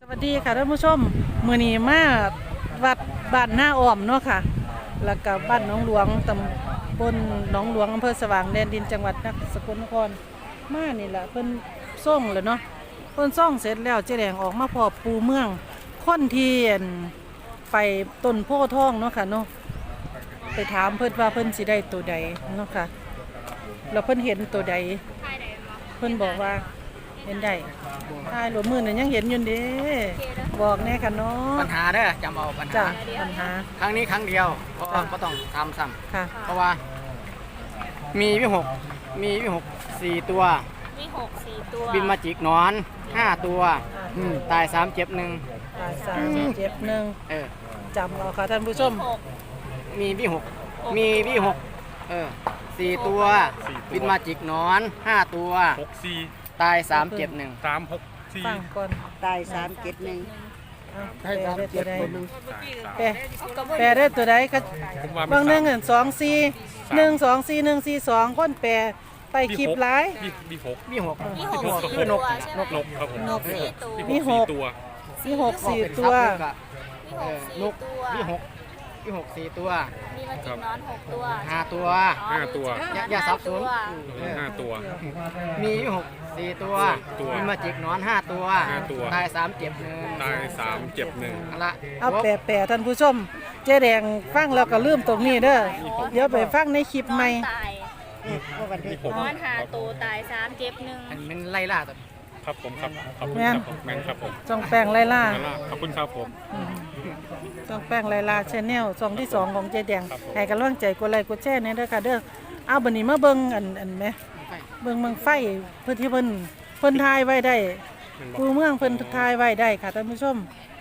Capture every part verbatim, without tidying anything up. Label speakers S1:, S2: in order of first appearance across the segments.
S1: สวัสดีค่ะท่านผู้ชมมื้อนี้มาวัดบ้านหน้าอ้อมเนาะค่ะแล้วก็บ้านหนองหลวงตำบลหนองหลวงอำเภอสว่างแดนดินจังหวัดนครสกลนครมานี่แหละเพิ่นส่งแล้วเนาะเพิ่นส่งเสร็จแล้วเจ๊แดงออกมาพอปูเมืองคนที่ไปต้นโพธิ์ทองเนาะค่ะเนาะไปถามเพิ่นว่าเพิ่นสิได้ตัวใดเนาะค่ะแล้วเพิ่นเห็นตัวใดเพิ่นบอกว่าเห็นได้ทายหลวมือน่ะยังเห็นอยู่เด้บอกแน่ค่ะเนาะ
S2: ปัญหาเด้อจำเอาปัญหา
S1: จ้ะปัญหา
S2: ครั้งนี้ครั้งเดียวเพราะว่าก็ต้องทำซ้ำ
S1: ค่ะ
S2: เพราะว่ามีวิหกมีวิหกสี่ตัว
S3: มีหกสี่ตัว
S2: บินมาจิกหนอนห้าตัวอืมตายสามเจ็บหนึ่ง
S1: ตายสามเจ็บหนึ่ง
S2: เออ
S1: จำเอาค่ะท่านผู้ชม
S3: หก
S2: มีวิหกมีวิหกเออสี่ตัวบินมาจิกหนอนห้าตัว
S4: หกสี่
S2: ตายสามเจ็บหนึ่ง
S4: สามหกสี่
S1: ฟังก่อน
S5: ตายสามเจ็ดหนึ่ง
S1: เอา
S2: ให้
S1: แปล
S2: สาม
S1: ได้ตั
S2: เจ็
S1: ว
S2: บ
S1: ใด
S2: คนหนึ่ง
S1: แปลแปลได้ตัวใดก็
S4: ผมว่า
S1: บางหนึ่งอันสองสี่หนึ่งสองสี่หนึ่งสี่สองคนแปลไปคลิปหลาย
S4: มีมีหก
S2: วิหก
S3: มีหก
S2: วิหก
S3: สี่
S2: คือน
S3: ตั
S2: ก
S3: วใช่ไหม
S4: นกครับผม
S3: นกสี่ตัว
S1: มีหก
S4: ตัว
S1: มีหกสี่
S2: เป็น
S1: ตัว
S2: ทับหนึ่งกะ
S3: มี
S2: เอ
S3: ห
S2: อก นกวิหกวิ
S3: สี่ตัว
S2: หกสี่ตัว
S3: มีมาจิกนอนหกตัว
S2: ห้าตัว
S4: ห้าตัว
S2: อย่าอย่าสับสน
S4: ห้าตัว
S2: มีวิหกสี่ตัว
S4: ตัว
S2: มีมาจิกหนอนห้าตัว
S4: ห้าตัว
S2: ตายสามเจ็บหนึ่ง
S4: ตายสามเจ็บหนึ่ง
S2: เอาละ
S1: เอาแปลแปลท่านผู้ชมเจ๊แดงฟังแล้วก็ลืมตรงนี้เด้อเดี๋ยวไปฟังในคลิป
S3: นอ
S1: ใหม่
S3: นตาย
S5: ก็วันที่
S4: มีหก
S3: นอนหาตัวตายสามเจ็บหนึ่ง
S2: อันเป็นไล่ล่าตัว
S4: ครับผมครับขอบคุณครับผมแมนครับผม
S1: จองแป้งไล่ล่า
S4: แมนล่าขอบคุณครับผม
S1: จองแป้งไล่ล่าชแนลซองที่สองของเจ๊แดงให้กำลังใจกดไลค์กดแชร์เนี่ยเด้อค่ะเด้อเอาบัดนี้มาเบิ่งอันอันไหมเบิ่งเมืองไฟเพื่อที่เพิ่นเพิ่นทายไว้ได้ปูเมืองเพิ่นทายไว้ได้ค่ะท่านผู้ชม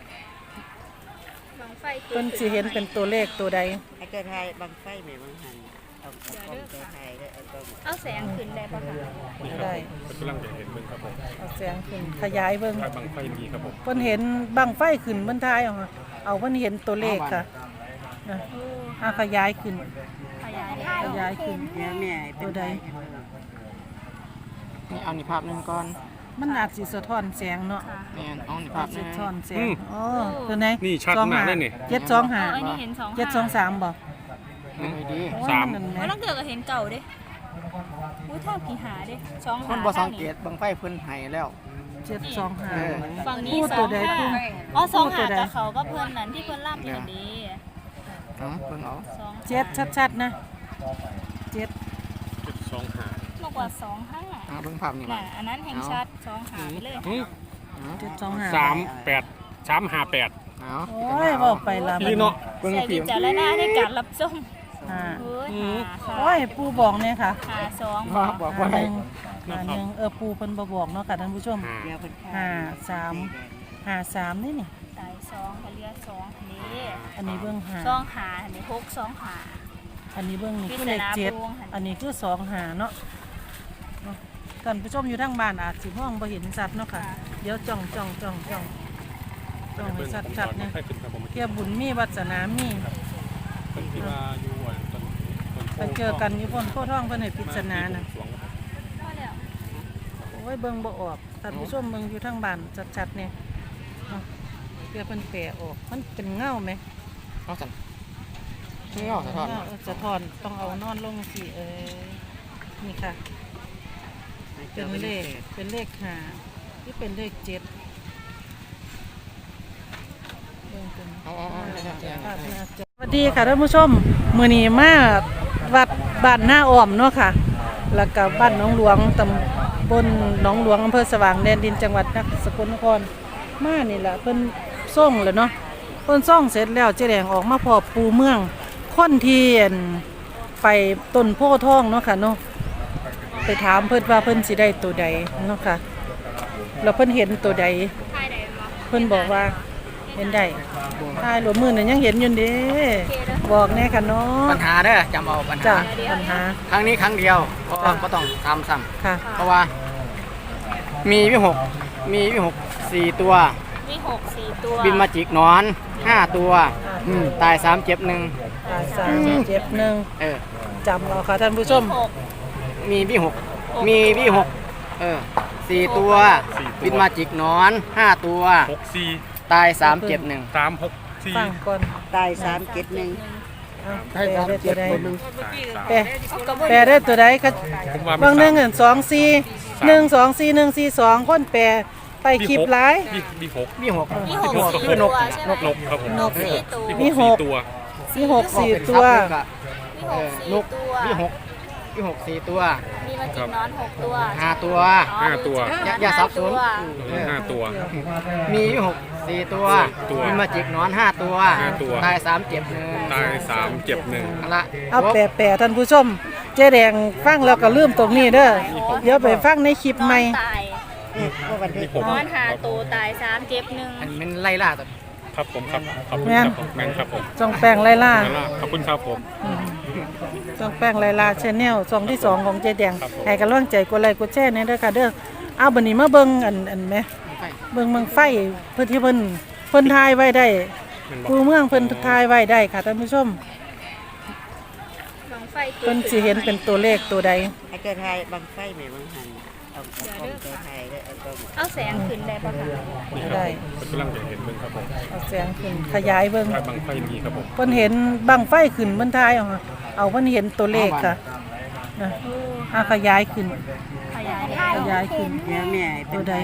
S3: บังไฟตัว
S1: เพิ่นสิเห็นเป็นตัวเลขตัวใด
S5: ไอ้เกิดไทยบางไฟไหมบางหันเอาเอากล้องเกิดไทยได้เอากล้อง
S3: เอาแสงขึ้นได้ปะคะ
S4: นี่ครับ
S1: ได้
S4: ผมกำลังจะเห็นมึงครับผม
S1: เอาแสงขึ้นขยายเบิ่ง
S4: ถ้าบางไฟมีครับผม
S1: เพิ่นเห็นบังไฟขึ้นเพิ่นทายเอาค่ะเอาเพิ่นเห็นตัวเลขค่ะนะเอาขยายขึ้น
S3: ขยายได้
S1: ขยายขึ้น
S5: แม่แม่เป็นไทย
S2: นี่เอานี่ภาพหนึ่งก่อน
S1: มันอาจสิสะท้อนแสงเนาะ
S2: นี่เอานี่ภาพห
S1: สะ
S2: นึ่ง
S1: ท้อนแสงอ๋อตัวไหน
S4: นี่ชัดมากเลยนี่
S1: เจ็ดสองห้า
S3: เอออันนี้เห็นสอง
S1: เจ็ดสองสามบ่
S2: นี่ดี
S4: สาม
S1: นั่นแห
S3: ว่า
S1: ละ
S3: ต้องเกิดกับเห็นเก่าเด้อุ้ยเท่ากี่หาเด้สอง
S2: ค
S3: หาน
S2: บ่สังเกตบางไฟเพิ่นให้แล้ว
S1: เจ็ดสองห้า
S2: เออ
S3: ฝั่งนี้
S1: พูด
S3: ส
S1: ตั
S3: อ
S1: ว
S3: ง
S1: ใด
S3: ห้า
S1: พูด
S3: อ๋อสอง
S1: พูดตัว
S3: หา
S1: ใด
S3: กับเขาก็เพื่อนนั้นที่เพื่อนล่ำอย่างดี
S2: เอาเพิ่นเอา
S3: สอง
S1: เจ็ดชัดๆนะเจ็ด
S4: จุดสองห้าม
S3: ากกว่าสองห้า
S2: เอาเบิ่งภาพนี่
S3: น่ะ
S2: มา
S3: อันนั้นแห่งชัดสองหาไปเลย
S4: อืม
S1: เจ็ดสองห้า
S4: สามแปดสามห้าแปด
S2: เอา
S1: โอ้ยบอกไปละ
S4: พี่เนาะ
S2: เบิ่ง
S3: ใส่
S2: ผิ
S3: วิ
S2: ว
S3: จารณาในการรับชม
S1: ห้า
S3: เฮ้ยหา
S1: โอ้ยปูบอกเนี่ยค่ะ
S3: หาสอง
S2: ว่าบอกว่า
S1: หา
S2: ให้
S1: หนึ่งหาหนึ่งเออปูเพิ่นบ่บอกเนาะค่ะท่านผู้ชม
S4: ห้า
S5: เดี๋ยวเป็น
S1: ห้าสามห้าสามนี่นี่
S3: ตายสองเขาเรียกสองนี่
S1: อันนี้เบื้องห้า
S3: สองหาอันนี้หกสองหา
S1: อันนี้เบื้องนี่คือเลขเจ็ด
S3: พิจารณาปูหั่น
S1: อันนี้คือสองหาเนาะเนาะท่านผู้ชมอยู่ทางบ้านอาจสิมองบ่เห็นชัดเนาะค่ะเดี๋ยวจ้องจ้องจ้องจ้องจ้องให้
S4: เบิ่ง
S1: ชัด
S4: ผม
S1: ชัด
S4: ก่อน
S1: เนี่ย
S4: ให้ขึ้นครับผม
S1: เกี่ยบุญมีวัสนามี
S4: เป็นที่ว่าอยู่อ่ะต้นต้น
S1: ไปเจอกันอยู่บนโพธิ์ทองเพิ่นให้ปริศนาน่ะ
S3: มาแล้ว
S1: โอ้ยเบิ่งบ่ออกท่านผู้ชมเบิ่งอยู่ทางบ้านชัดๆเนี่ยเนาะเพื่อเพิ่นแปลออกมันเป็นเงาไหม
S2: เอาสั่นนี่เอาสะท้อน
S1: เงาสะท้อนต้องเอานอนลงสิเออนี่ค่ะ เป็นเลขเป็นเลขห้าที่เป็นเลขเจ็ดเบิ่งเป็น
S2: เอาเอาเอาเอาเอาเอา
S1: สวัสดีค่ะท่านผู้ชมมื้อนี้มาวัดบ้านหน้าอ้อมเนาะค่ะแล้วก็บ้านหนองหลวงตำบลหนองหลวงอำเภอสว่างแดนดินจังหวัดนครสกลนครมานี่แหละเพิ่นส่งแล้วเนาะเพิ่นส่งเสร็จแล้วเจ๊แดงออกมาพอปูเมืองคนที่ไปต้นโพธิ์ทองเนาะค่ะเนาะไปถามเพิ่นว่าเพิ่นสิได้ตัวใดเนาะค่ะแล้วเพิ่นเห็นตัวใด
S3: ทายได้บ่
S1: เพิ่นบอกว่าเห็นได้ทายหลวมือน่ะยังเห็นอยู่เด้บอกแน่ค่ะเนาะ
S2: ปัญหาเด้อจำเอาปัญ
S1: จ้ะ
S2: หา
S1: ปัญหา
S2: ครั้งนี้ครั้งเดียวเพราะว่าก็ต้องทำซ้
S1: ค่ะ
S2: ำเพราะว่ามีวิหกมีวิหกสี่ตัว
S3: มีหกสี่ตัว
S2: บินมาจิกหนอนห้าตัวอืมตายสามเจ็บหนึ่ง
S1: ตายสามเจ็บหนึ่ง
S2: เออ
S1: จำเอาค่ะท่านผู้ชม
S3: หก
S2: มีวิหกมีวิหกเออสี่ตัว
S4: สี่ตัว
S2: บินมาจิกหนอนห้าตัว
S4: หกสี่
S2: ตายสามเจ็บหนึ่ง
S4: สามหกสี่
S1: ฟังก่อน
S5: ตายสามเจ็ดหนึ่ง
S1: เอาแปลได้ตัวใด แปล
S3: เอากระบอก
S1: แปลได้ตัวใดก็
S4: ผมว่า
S1: บางหนึ่งเงินสองสี่หนึ่งสองสี่หนึ่งสี่สองคนแปลไปคลิปไลฟ์
S4: มีมีหก
S2: มีหก
S3: มีหก
S2: มีหก
S3: สี่
S2: คือนก
S3: ตัวใช่ไหม
S4: นกครับผม
S1: นก
S3: สี่ตัว
S1: มีหก
S4: ตัว
S1: มีหกสี่
S2: เป็น
S1: ตัว
S2: ซับเลยก็
S3: มีหก
S2: เออนก
S3: สี่ตัว
S2: มีหกมีหกสี่ตัว
S3: มีมาจิกนอนหกตัว
S2: ห้าตัว
S4: ห้าตัว
S2: อย่าอย่าสับสน เออ
S4: ห้าตัว
S2: มีอยู่หกสี่ตัว
S4: ตัว
S2: บินมาจิกหนอนห้าตัว
S4: ห้าตัว
S2: ตายสามเจ็บหนึ่ง
S4: ตายสามเจ็บหนึ่ง
S2: เอาละ
S1: เอาแปลแปลท่านผู้ชม เจ๊แดงฟังแล้วก็ลืมตรงนี้เด้อเดี๋ยวไปฟังในคลิป
S3: นอ
S1: ใหม่
S3: นตาย
S5: ว่าวัน
S4: มี
S5: ที่
S4: หก
S3: นอนหาตัวตายสามเจ็บหนึ่ง
S2: อันมันไล่ล่าตัว
S4: ครับผมครับขอบคุณ
S1: แม่
S4: คน รับผมแม่นครับผม
S1: จองแป้งไล่ล่า
S4: ขอบคุณครับผม
S1: จองแป้งไล่ล่าชาแนลซองที่สองของเจ๊แดง
S4: ครับผม
S1: ให้กำลังใจกดไลค์กดแชร์เนี่ยเด้อค่ะเด้อเอาบัดนี้มาเบิ่งอันอันไหม
S2: ไฟ
S1: เบิ่งเมืองไฟเพิ่นที่เพิ่นเพิ่นทายไว้ได้
S4: มันบอ
S1: คู
S4: ก
S1: เมืองเพิ่นทายไว้ได้ค่ะท่านผู้ชม
S3: บังไฟ
S1: เพิ่นสิเห็นเป็นตัวเลขตัวใด
S5: ให้เกิดไทยบางไฟแม่บางหันเอาเอากล้องเกิดไทยแล้วเอากล้อง
S3: เอาแสงขึ้นได้ปะคะ
S4: นี่ครับ
S1: ได้
S4: ผมกำลังจะเห็นเบิ่งครับผม
S1: เอาแสงขึ้นขยายเบิ่ง
S4: ถ้าบางไฟมีครับผม
S1: เพิ่นเห็นบังไฟขึ้นเพิ่นทายเอาค่ะเอาเพิ่นเห็นตัวเลขค่ะนะอ่ะขยายขึ้น
S3: ขยายได้
S1: ขยายขึ้น
S5: แม่แม่เป็น
S1: ตัวใด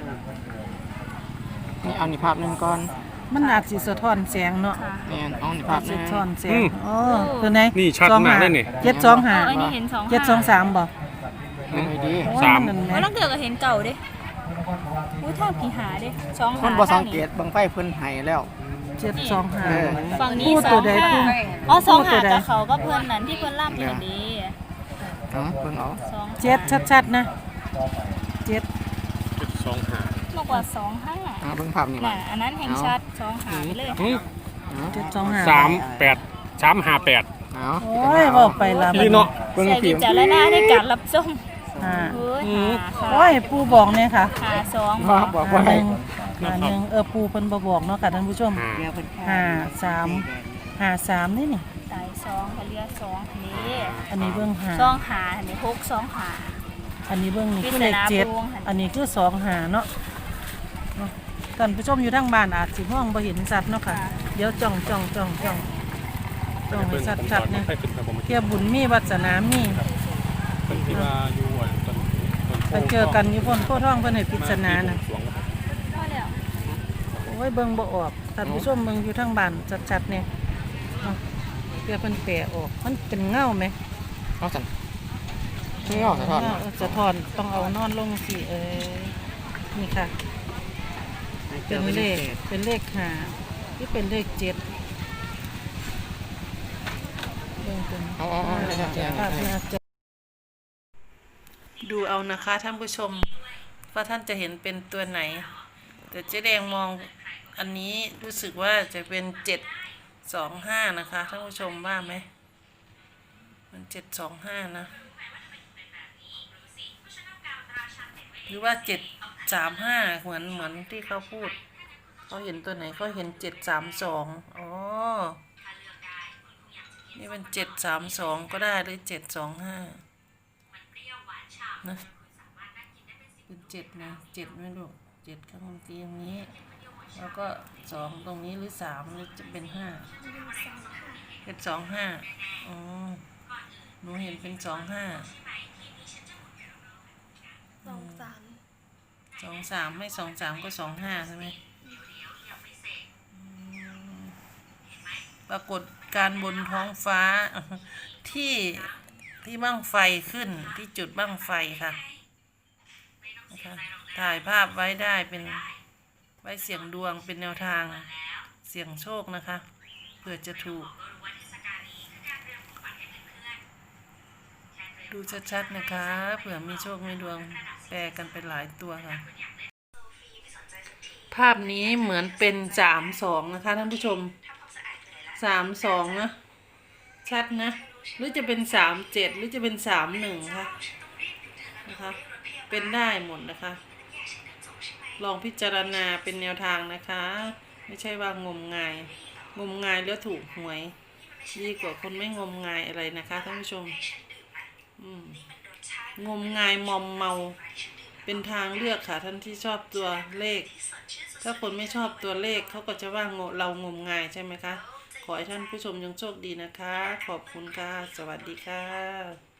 S2: นี่เอานี่ภาพหนึงก่อน
S1: มันอาจสิสะท้อนแสงเนาะ
S2: นี่เอานี่ภาพหนึ
S1: สะ
S2: ง
S1: ท้อนแสงอ๋อตัวไหน
S4: นี่ชัดมากเลยนี่
S1: เจ็ดสองห้า
S3: เอออันนี้เห็นสอง
S1: เจ็ดสองสามบ่
S2: นี่ดี
S1: โอ้ย
S4: สาม
S1: นั่นแห
S3: ว่า
S1: ละ
S3: ต้องเดือกกับเห็นเก่าเด้อุ้ยเท่ากี่หาเด้สอง
S2: ค
S3: หาน
S2: บ่สั
S3: ทาง ง
S2: เก
S3: นี้
S2: ตบางไฟเพิ่นให้แล้ว
S1: เจ็ดสองห้า
S2: เออ
S3: ฝั่งนี้
S1: พูด
S3: ส
S1: ตั
S3: อ
S1: ว
S3: ง
S1: ใด
S3: ห้า
S1: พูด
S3: อ๋อสอง
S1: พูดตั
S3: หาว
S1: ใด
S3: กับเขาก็เพื่อนนั้นที่เพื่อนล่ำอย่างนี้
S2: เอาเพิ่นเอา
S3: สองห้า
S1: เจ็ดชัดๆนะเจ็ด
S4: เจ็ดสองห้าม
S3: ากกว่าสองห้า
S2: เอาเบิ่งภาพนี่
S3: น่ะ
S2: มา
S3: อันนั้นแห่งชัดสองหาไปเลย
S4: หืม
S1: เจ็ดสองห้า
S4: สามแปดสามห้าแปด
S2: เอา
S1: โอ้ยบอกไปละ
S4: พี่เนาะ
S2: เบิ่ง
S3: ใส่
S2: ผิ
S3: วิ
S2: ว
S3: จารณญาณในการรับชม
S1: ห้า
S3: เฮ้ยหาค่ะ
S1: โอ้ยปูบอกเนี่ยค่ะ
S3: หาสอง
S2: ว่าบอกว่า
S1: หา
S2: ให้
S1: หนึ่งหาหนึ่งเออปูเพิ่นบ่บอกเนาะค่ะท่านผู้ชม
S4: ห้า
S5: เดี๋ยวเป็นข้าว
S1: ห้าสามหาสามนี่นี่
S3: ตายสองกับเรือสองนี่
S1: อันนี้เบื้องหา
S3: สองหาอันนี้หกสองหา
S1: อันนี้เบื้องนี่คือเลข
S3: ปริศนา
S1: เจ็ด
S3: พวงค่ะ
S1: อันนี้คือสองหาเนาะเนาะท่านผู้ชมอยู่ทางบ้านอาจสิมองบ่เห็นชัดเนาะค่ะ เดี๋ยวจ้องจ้องจ้องจ้องจ้องให้
S4: เบิ่งผม
S1: ชัด
S4: ก่อน
S1: ๆเนี่ย
S4: ไฟขึ้นครับผม
S1: เทียบบุญมีวัสนามี
S4: เป็นที่ว่าอยู่อ่ะต้นต้นโพ
S1: ไปเจอกันอยู่บนโพธิ์ทองเพิ่นให้ปริศนาน่ะ
S4: สวง
S3: พอแล้ว
S1: โอ้ยเบิ่งบ่ออกท่านผู้ชมเบิ่งอยู่ทางบ้านชัดๆเนี่ยเนาะเพื่อเพิ่นแปลออกมันเป็นเงาไหม
S2: เอาสั่นนี่เอาสะท้อน
S1: เงาสะท้อนต้องเอานอนลงสิเอ้ยนี่ค่ะ เป็นเลขเป็นเลขห้าหรือเป็นเลขเจ็ดเบิ่งเป็น
S2: เอาเอาเอา
S1: ภาพน่าจะดูเอานะคะท่านผู้ชมว่าท่านจะเห็นเป็นตัวไหน แต่เจ๊แดงมองอันนี้รู้สึกว่าจะเป็นเจ็ดสองห้านะคะท่านผู้ชมว่าไหมมันเจ็ดสองห้านะ หรือว่าเจ็ดสามห้าเหมือนเหมือนที่เขาพูดเขาเห็นตัวไหนเขาเห็นเจ็ดสามสองอ๋อนี่เป็นเจ็ดสามสองก็ได้หรือเจ็ดสองห้านะเป็นเจ็ดนะเจ็ดไม่รู้เจ็ดข้างบนตีอย่างนี้ แล้วก็สองตรงนี้หรือสามหรือจะเป็นห้าเจ็ดสองห้าอ๋อหนูเห็นเป็นสองห้า
S3: สองสาม
S1: สองสามไม่สองสามก็สองห้าใช่ไหมอืมปรากฏการณ์บนท้องฟ้า ที่ที่บั้งไฟขึ้นที่จุดบั้งไฟค่ะนะคะถ่ายภาพไว้ได้เป็นไว้เสียงดวงเป็นแนวทางเสียงโชคนะคะเผื่อจะถูก ดูชัดๆนะคะเผื่อมีโชคมีดวงแปลกันไปหลายตัวค่ะ ภาพนี้เหมือนเป็นสามสองนะคะท่านผู้ชมสามสองนะชัดนะหรือจะเป็นสามเจ็ดหรือจะเป็นสามหนึ่งค่ะนะคะเป็นได้หมดนะคะ ลองพิจารณาเป็นแนวทางนะคะ ไม่ใช่ว่างมงายงมงายแล้วถูกหวยดีกว่าคนไม่งมงายอะไรนะคะท่านผู้ชม อืมงมงายมอมเมาเป็นทางเลือกค่ะท่านที่ชอบตัวเลข ถ้าคนไม่ชอบตัวเลขเขาก็จะว่าโงเรางมงายใช่ไหมคะ ขอให้ท่านผู้ชมยังโชคดีนะคะ ขอบคุณค่ะ สวัสดีค่ะ